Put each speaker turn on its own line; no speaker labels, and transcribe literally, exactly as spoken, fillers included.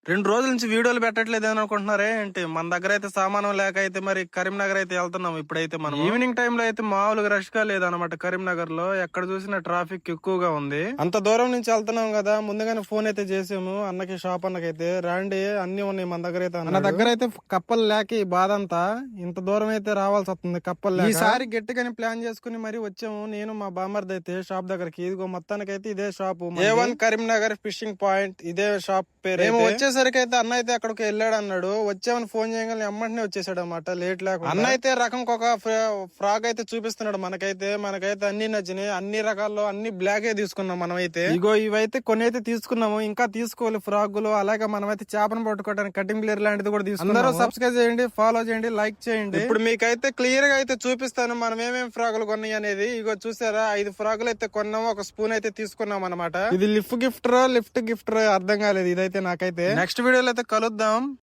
రెండు రోజుల నుంచి వీడియోలు పెట్టట్లేదు అని అనుకుంటున్నారే ఏంటి? మన దగ్గర అయితే సామానం లేక అయితే మరి కరీంనగర్ అయితే వెళ్తున్నాం. ఇప్పుడైతే మనం ఈవినింగ్ టైమ్ లో అయితే మామూలుగా రష్ గా లేదనమాట. కరీంనగర్ లో ఎక్కడ చూసినా ట్రాఫిక్ ఎక్కువగా ఉంది. అంత దూరం నుంచి వెళ్తున్నాం కదా, ముందుగానే ఫోన్ అయితే చేసాము అన్నకి, షాప్ అన్నకైతే రాండి అన్ని ఉన్నాయి మన దగ్గర అయితే. మన దగ్గర అయితే కప్పలు లేక ఈ బాధ అంతా, ఇంత దూరం అయితే రావాల్సి వస్తుంది కప్పలు లేక. ఈసారి గట్టిగానే ప్లాన్ చేసుకుని మరి వచ్చాము నేను మా బామర్ది అయితే షాప్ దగ్గరకి. ఇదిగో మొత్తానికి అయితే ఇదే shop, A one Karimnagar fishing point, ఇదే షాప్ పేరు. మేము వచ్చేసరికి అయితే అన్న అయితే అక్కడికి వెళ్ళాడు అన్నాడు. వచ్చామని ఫోన్ చేయగానే ఎమ్మటనే వచ్చేసాడు అనమాట, లేట్ లేకుండా. అన్న అయితే రకం ఒక ఫ్రాక్ అయితే చూపిస్తున్నాడు మనకైతే. మనకైతే అన్ని నచ్చినాయి, అన్ని రకాల్లో అన్ని బ్లాక్ ఏ తీసుకున్నాం మనం అయితే. ఇగో ఇవైతే కొన్ని అయితే తీసుకున్నాము, ఇంకా తీసుకోవాలి ఫ్రాగులు. అలాగే మనం అయితే చేపను పట్టుకోవడానికి కటింగ్ ప్లేయర్ లాంటిది కూడా తీసుకున్నాం. అందరూ సబ్స్క్రైబ్ చేయండి, ఫాలో చేయండి, లైక్ చేయండి. ఇప్పుడు మీకైతే క్లియర్ గా అయితే చూపిస్తాను మనం ఏమేమి ఫ్రాగులు కొన్నాయి అనేది. ఇగో చూసారా, ఐదు ఫ్రాగులు అయితే కొన్నాము, ఒక స్పూన్ అయితే తీసుకున్నాం అనమాట. ఇది లిఫ్ట్ గిఫ్టర్ లిఫ్ట్ గిఫ్టర్ అర్థం కాలేదు ఇదైతే నాకైతే. నెక్స్ట్ వీడియోలో అయితే కలుద్దాం.